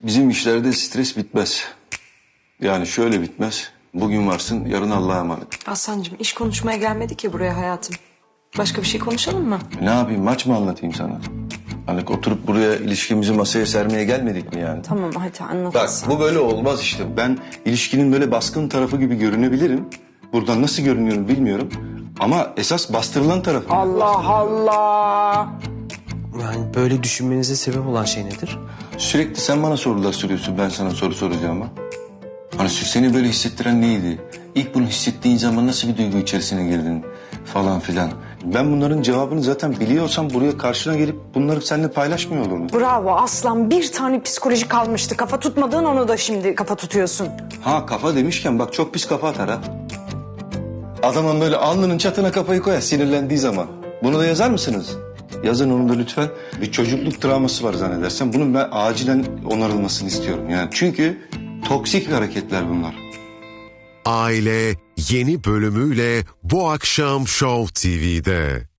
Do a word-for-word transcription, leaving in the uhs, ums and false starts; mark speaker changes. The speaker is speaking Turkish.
Speaker 1: Bizim işlerde stres bitmez. Yani şöyle bitmez. Bugün varsın, yarın Allah'a emanet.
Speaker 2: Aslancığım iş konuşmaya gelmedik ki buraya hayatım. Başka bir şey konuşalım mı?
Speaker 1: Ne yapayım, maç mı anlatayım sana? Hani oturup buraya ilişkimizi masaya sermeye gelmedik mi yani?
Speaker 2: Tamam hadi anlat.
Speaker 1: Bak bu böyle olmaz işte. Ben ilişkinin böyle baskın tarafı gibi görünebilirim. Buradan nasıl görünüyorum bilmiyorum. Ama esas bastırılan tarafı.
Speaker 3: Allah Allah.
Speaker 4: Yani böyle düşünmenize sebep olan şey nedir?
Speaker 1: Sürekli sen bana sorular soruyorsun, ben sana soru soracağım ama. Hani seni böyle hissettiren neydi? İlk bunu hissettiğin zaman nasıl bir duygu içerisine girdin falan filan. Ben bunların cevabını zaten biliyorsam buraya karşına gelip bunları seninle paylaşmıyor olurum.
Speaker 3: Bravo aslan, bir tane psikoloji kalmıştı. Kafa tutmadığın onu da şimdi kafa tutuyorsun.
Speaker 1: Ha kafa demişken bak çok pis kafa atar ha. Adamın böyle alnının çatına kafayı koyar sinirlendiği zaman. Bunu da yazar mısınız? Yazın onu da lütfen. Bir çocukluk travması var zannedersem. Bunun ben acilen onarılmasını istiyorum. Yani çünkü toksik hareketler bunlar.
Speaker 5: Aile yeni bölümüyle bu akşam Show T V'de.